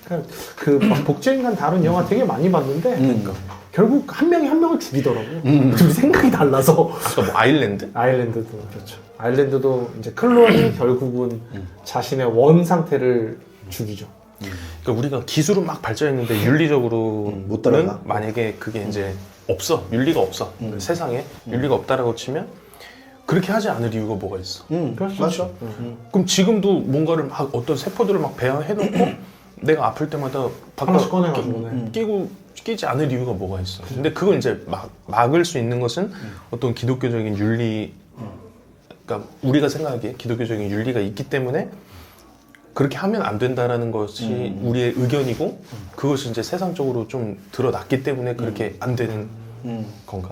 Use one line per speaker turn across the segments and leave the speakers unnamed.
그러니까 그 복제인간 다룬 영화 되게 많이 봤는데 그러니까 결국 한 명이 한 명을 죽이더라고요. 둘이 생각이 달라서.
아까 뭐 아일랜드?
아일랜드도 그렇죠. 아일랜드도 이제 클론이 결국은 자신의 원 상태를 죽이죠.
그러니까 우리가 기술은 막 발전했는데 윤리적으로는
못 따라가.
만약에 그게 이제 없어, 윤리가 없어, 세상에 윤리가 없다라고 치면 그렇게 하지 않을 이유가 뭐가 있어?
그렇죠.
그럼 지금도 뭔가를 막 어떤 세포들을 막 배양해놓고 내가 아플 때마다
하나씩 꺼내가지고
끼지 않을 이유가 뭐가 있어? 근데 그걸 이제 막을 수 있는 것은 어떤 기독교적인 윤리, 그러니까 우리가 생각하기에 기독교적인 윤리가 있기 때문에 그렇게 하면 안 된다라는 것이 우리의 의견이고 그것이 이제 세상적으로 좀 드러났기 때문에 그렇게 안 되는 건가?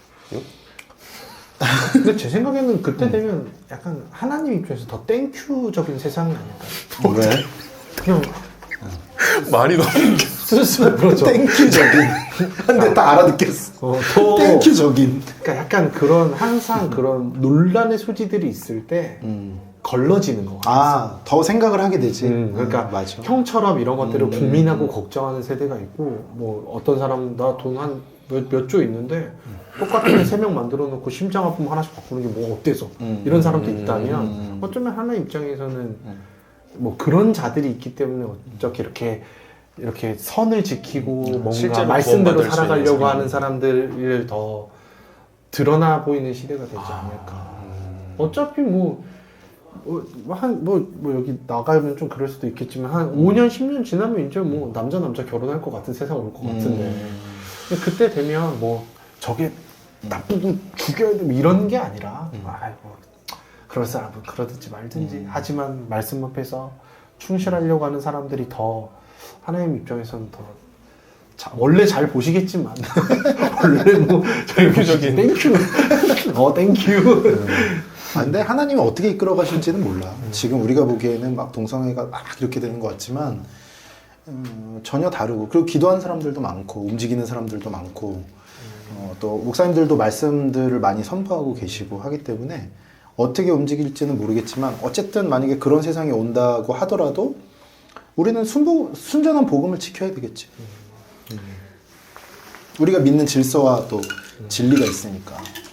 근데 제 생각에는 그때 되면 약간 하나님 입장에서 더 땡큐적인 세상이 아닐까요?
왜?
그냥
말이 너무
스스로 그렇죠.
땡큐적인. 근데 다 알아듣겠어.
더
땡큐적인.
그러니까 약간 그런 항상 그런 논란의 소지들이 있을 때 걸러지는 거 같아요.
아, 더 생각을 하게 되지.
그러니까
맞아.
형처럼 이런 것들을 고민하고 걱정하는 세대가 있고 뭐 어떤 사람 나 돈 한 몇 조 있는데 똑같은 애 3명 만들어 놓고 심장 아프면 하나씩 바꾸는 게 뭐 어때서 이런 사람도 있다면 어쩌면 하나의 입장에서는 뭐 그런 자들이 있기 때문에 어떻게 이렇게 선을 지키고 뭔가 말씀대로
구원받을 수
살아가려고
있는
하는 사람들을 더 드러나 보이는 시대가 되지 않을까. 어차피 여기 나가면 좀 그럴 수도 있겠지만 한 5년 10년 지나면 이제 뭐 남자 결혼할 것 같은 세상 올 것 같은데 근데 그때 되면 뭐 저게 나쁘고 죽여야 돼 이런 게 아니라 아이고 그럴 사람은 그러든지 말든지 하지만 말씀 앞에서 충실하려고 하는 사람들이 더 하나님 입장에서는 더 원래 잘 보시겠지만 원래 뭐
땡큐적인
땡큐 땡큐
아, 근데 하나님이 어떻게 이끌어 가실지는 몰라. 지금 우리가 보기에는 막 동성애가 막 이렇게 되는 것 같지만 전혀 다르고 그리고 기도하는 사람들도 많고 움직이는 사람들도 많고 또 목사님들도 말씀들을 많이 선포하고 계시고 하기 때문에 어떻게 움직일지는 모르겠지만 어쨌든 만약에 그런 세상이 온다고 하더라도 우리는 순전한 복음을 지켜야 되겠지. 우리가 믿는 질서와 또 진리가 있으니까.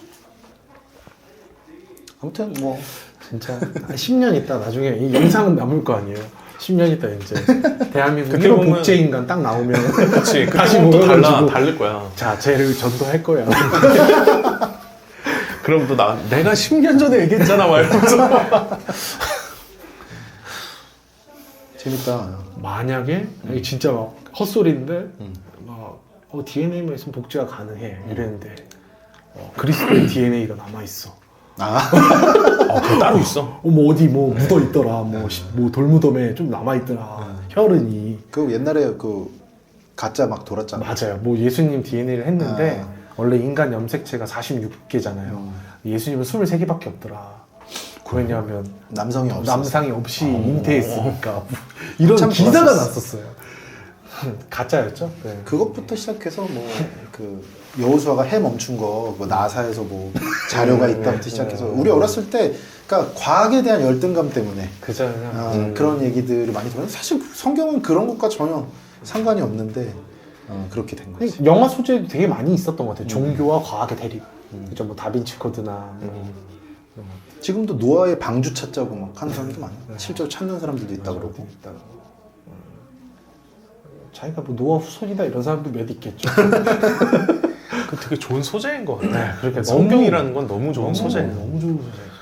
아무튼 뭐
진짜 10년 있다 나중에 이 영상은 남을 거 아니에요. 10년 있다 이제 대한민국
그때
1호
보면-
복제인간 딱 나오면
그치
다시
그럼 또
모여가지고
다를 거야.
자 쟤를 전도할 거야.
그럼 또 내가 10년 전에 얘기했잖아 말면서
재밌다.
만약에 이게 진짜 막 헛소리인데 막 DNA만 있으면 복제가 가능해 이랬는데 그리스도의 DNA가 남아 있어.
그거 따로 있어.
뭐 어디 뭐 묻어 있더라. 뭐 돌무덤에 좀 남아 있더라. 혈흔이.
그 옛날에 그 가짜 막 돌았잖아.
맞아요. 뭐 예수님 DNA를 했는데 원래 인간 염색체가 46개잖아요. 예수님은 23개밖에 없더라. 왜냐하면
남성이 없어.
남상이 없이 잉태했으니까 이런
한참
기사가
돌았었어.
났었어요. 가짜였죠? 네.
그것부터 시작해서 뭐 그 여호수아가 해 멈춘 거, 뭐 나사에서 뭐 자료가 있다부터 시작해서 우리 어렸을 때, 그러니까 과학에 대한 열등감 때문에
그죠.
그런 얘기들을 많이 들었는데 사실 성경은 그런 것과 전혀 상관이 없는데 그렇게 된 거지.
영화 소재도 되게 많이 있었던 것 같아요. 종교와 과학의 대립. 그죠? 뭐 다빈치 코드나
지금도 노아의 방주 찾자고 막 하는 사람도 많아. 실제로 찾는 사람들도 있다 그러고.
자기가 뭐 노아 후손이다 이런 사람도 몇 있겠죠.
그 되게 좋은 소재인 것 같아.
네, 그러니까
성경이라는 건 너무 좋은 소재예요.
너무 좋은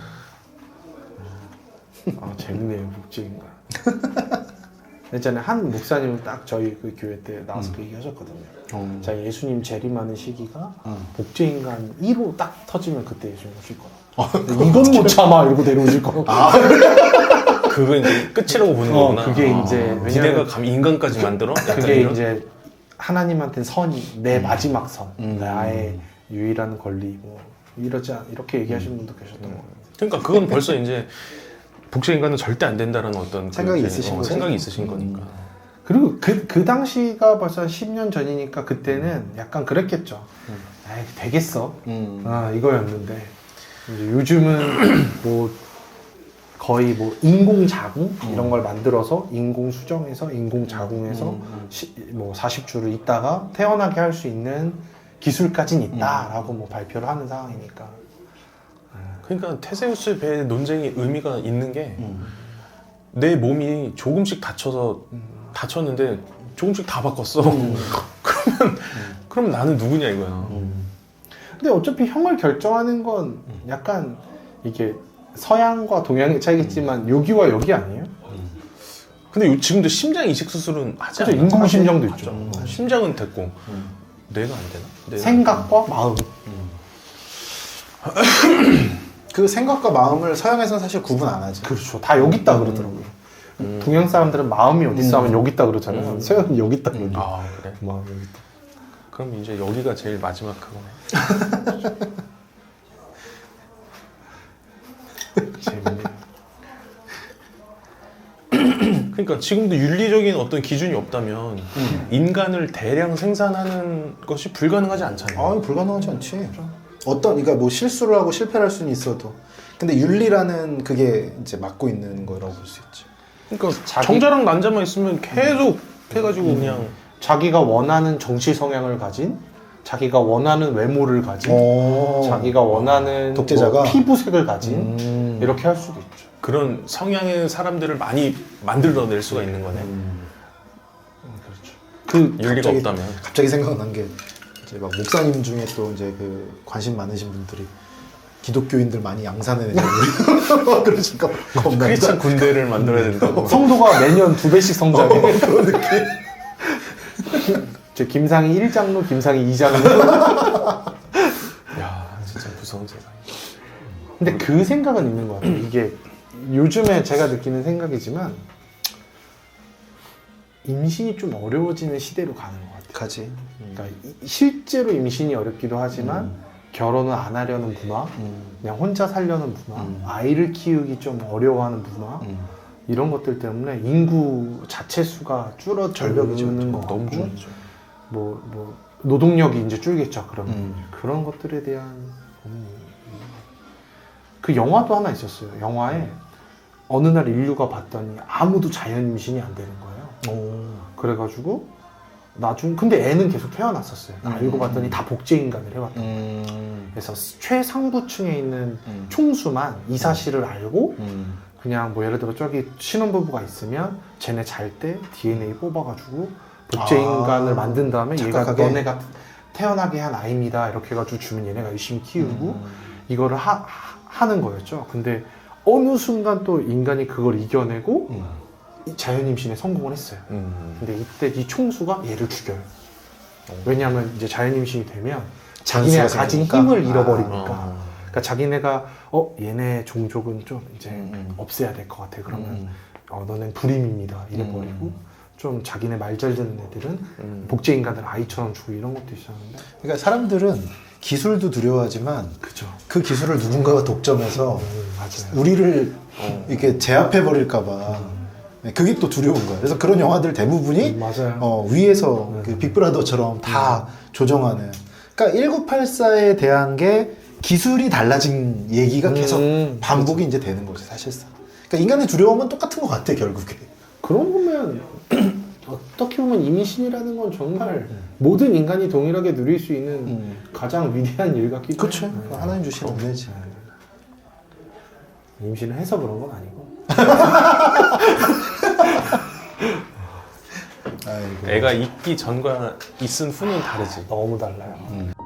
소재. 재밌네요, 복제인간. 예전에 한 목사님은 딱 저희 그 교회 때 나와서 그 얘기 하셨거든요. 자, 예수님 재림하는 시기가 복제인간 1호 딱 터지면 그때 예수님 오실 거라. 이건 못 참아 이러고 내려오실 거라.
그거 이제 끝이라고 보는 거구나.
그게 이제
기대가 감히 인간까지 만들어? 약간
그게
이런?
이제 하나님한테는 선이 내 마지막 선, 나의 유일한 권리 뭐 이렇게 얘기하시는 분도 계셨던 것 같아요.
그러니까 그건 벌써 이제 복제인간은 절대 안 된다는 어떤
생각이
그
있으신 거지.
생각이 있으신 거니까.
그리고 그 당시가 벌써 한 10년 전이니까 그때는 약간 그랬겠죠. 에이, 되겠어. 이거였는데 이제 요즘은 뭐 거의 뭐 인공 자궁 이런 걸 만들어서 인공 수정해서 인공 자궁해서 뭐 40주를 있다가 태어나게 할 수 있는 기술까지는 있다라고 뭐 발표를 하는 상황이니까.
그러니까 테세우스 배의 논쟁이 의미가 있는 게 내 몸이 조금씩 다쳤는데 조금씩 다 바꿨어. 그럼 나는 누구냐 이거야.
근데 어차피 형을 결정하는 건 약간 이게 서양과 동양의 차이겠지만 여기와 여기 아니에요?
근데 지금도 심장 이식 수술은 하지
그죠,
않나?
인공 심장도
하죠.
있죠.
심장은 됐고 뇌가 안 되나? 뇌가
생각과 마음.
그 생각과 마음을 서양에서는 사실 구분 안 하지.
그렇죠. 다 여기 있다 그러더라고요. 동양 사람들은 마음이 어디 있어 하면 여기 있다 그러잖아요. 서양은 여기 있다 그러죠.
아 그래?
마음 여기 있다.
그럼 이제 여기가 제일 마지막 그거네.
재밌네요.
그러니까 지금도 윤리적인 어떤 기준이 없다면 인간을 대량 생산하는 것이 불가능하지 않잖아요.
아니 불가능하지 않지. 그러니까 뭐 실수를 하고 실패를 할 수는 있어도, 근데 윤리라는 그게 이제 막고 있는 거라고 볼 수 있지.
그러니까 정자랑 난자만 있으면 계속 해가지고 그냥
자기가 원하는 정치 성향을 가진, 자기가 원하는 외모를 가진, 자기가 원하는
독재자가?
뭐 피부색을 가진 이렇게 할 수도 있죠.
그런 성향의 사람들을 많이 만들어낼 수가 있는 거네.
그렇죠.
그 윤리가 없다면.
갑자기 생각난 게 이제 막 목사님 중에 또 이제 그 관심 많으신 분들이 기독교인들 많이 양산해내자고 그러실까 봐 겁나.
크리스찬 군대를 만들어야 된다고.
성도가 매년 2배씩 성장해. 그런 느낌. 저 김상희 1장로, 김상희 2장로.
야, 진짜 무서운 세상.
근데 그 생각은 있는 것 같아요. 이게 요즘에 제가 느끼는 생각이지만 임신이 좀 어려워지는 시대로 가는 것 같아요.
가지.
그러니까 실제로 임신이 어렵기도 하지만 결혼을 안 하려는 부마, 그냥 혼자 살려는 부마, 아이를 키우기 좀 어려워하는 부마, 이런 것들 때문에 인구 자체 수가 줄어들는 것 같고,
너무 좋죠.
뭐 노동력이 이제 줄겠죠. 그러면 그런 것들에 대한 그 영화도 하나 있었어요. 영화에 어느 날 인류가 봤더니 아무도 자연 임신이 안 되는 거예요. 그래가지고 근데 애는 계속 태어났었어요. 알고 봤더니 다 복제 인간을 해왔던 거예요. 그래서 최상부층에 있는 총수만 이 사실을 알고 그냥 뭐 예를 들어 저기 신혼부부가 있으면 쟤네 잘 때 DNA 뽑아가지고 복제 인간을 만든 다음에
착각하게?
얘가 너네가 태어나게 한 아이입니다 이렇게 해가지고 주면 얘네가 열심히 키우고 이거를 하는 거였죠. 근데 어느 순간 또 인간이 그걸 이겨내고 이 자연 임신에 성공을 했어요. 근데 이때 이 총수가 얘를 죽여요. 왜냐하면 이제 자연 임신이 되면 자기네가
변수가
가진
생기니까?
힘을 잃어버리니까. 그러니까 자기네가 얘네 종족은 좀 이제 없애야 될 것 같아. 그러면 너넨 불임입니다. 이래버리고 좀 자기네 말 잘 듣는 애들은 복제 인간들 아이처럼 주고 이런 것도 있었는데.
그러니까 사람들은 기술도 두려워하지만
그죠.
그 기술을 누군가가 독점해서
맞아요.
우리를 이렇게 제압해 버릴까봐 그게 또 두려운 거야. 그래서 그런 영화들 대부분이
맞아요.
위에서 그 빅브라더처럼 다 조정하는. 그러니까 1984에 대한 게 기술이 달라진 얘기가 계속 반복이 이제 되는 거지 사실상. 그러니까 인간의 두려움은 똑같은 것 같아 결국에.
그런 거면 어떻게 보면 임신이라는 건 정말 모든 인간이 동일하게 누릴 수 있는 가장 위대한 일 같기도
그렇죠.
해요.
하나님 주신 은혜지.
임신을 해서 그런 건 아니고.
아이고.
애가 있기 전과 있은 후는 다르지.
너무 달라요.